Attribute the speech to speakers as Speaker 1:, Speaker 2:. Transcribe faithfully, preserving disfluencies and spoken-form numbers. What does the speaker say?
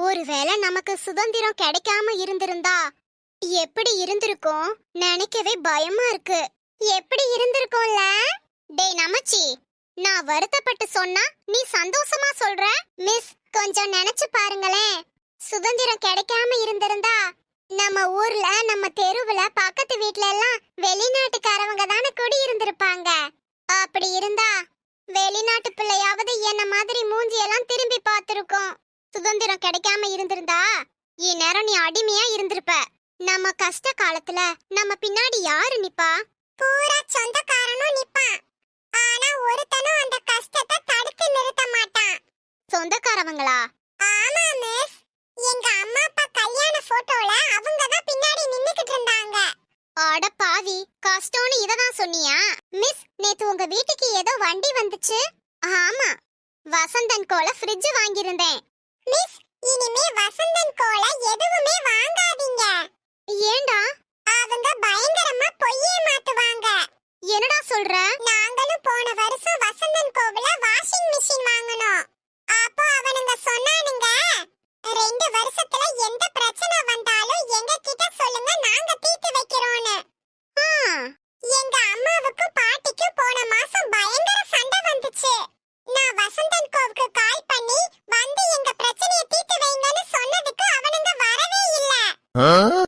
Speaker 1: ஒருவேளை நமக்கு சுதந்திரம் கிடைக்காம இருந்திருந்தா எப்படி இருந்திருக்கும் நினைக்கவே பயமா இருக்கு. எப்படி இருந்திருக்கும்ல? டேய் நமச்சி, நான் வருத்தப்பட்டு சொன்னா நீ சந்தோஷமா சொல்ற. மிஸ் கொஞ்சம் நினைச்சு பாருங்களேன். சுதந்திரம் கிடைக்காம இருந்திருந்தா நம்ம ஊர்ல நம்ம தெருவுல பக்கத்து வீட்ல எல்லாம் வெளிநாட்டுக்காரவங்க தானே குடி இருந்திருப்பாங்க. அப்படி இருந்தா வெளிநாட்டு பிள்ளையாவது என்ன மாதிரி மூஞ்சி எல்லாம் திரும்பி பார்த்திருக்கும். சுதந்திரம் கிடைக்காம இருந்திருந்தா இந்நேரம் நீ அடிமையா இருந்திருப்ப. நம்ம கஷ்ட காலத்துல நம்ம பின்னாடி யாரு நிப்பா? பூரா சொந்தக்காரனும் நிப்பான். ஆனா ஒருத்தனும் அந்த கஷ்டத்தை தடுத்து நிறுத்த மாட்டான். சொந்தக்காரவங்களா? ஆமா மிஸ், எங்க அம்மா அப்பா கல்யாண போட்டோல அவங்க தான் பின்னாடி நின்னுக்கிட்டு இருந்தாங்க. அட பாவி, கஷ்டம்னு இததான் சொன்னியா? மிஸ், நேத்து உங்க வீட்டுக்கு ஏதோ வண்டி வந்துச்சு. ஆமா, வசந்தன் கோல ஃப்ரிட்ஜ் வாங்கியிருந்தேன். மிஸ், இனிமே வசந்தன் கோல எதுவுமே வாங்காதீங்க. ஏண்டா? அவங்க பயங்கரமா பொய்யே மாத்துவாங்க. என்னடா சொல்ற? நாங்களும் போன வருஷம் வசந்தன் கோவில வாஷிங் மிஷின் வாங்கணும். அப்போ அவனுங்க சொன்னானுங்க, ரெண்டு வருஷத்துல எந்த பிரச்சனை வந்தாலும் எங்க கிட்ட சொல்லுங்க, நாங்க தீர்த்து வைக்கிறோம்னு. எங்க அம்மாவுக்கும் பாட்டிக்கும் போன மாசம் பயங்கர சண்டை வந்துச்சு. நான் வசந்தன் கோவுக்கு கால் பண்ணி வந்து எங்க பிரச்சனையை தீர்த்து வைங்கன்னு சொன்னதுக்கு அவனுங்க வரவே இல்ல.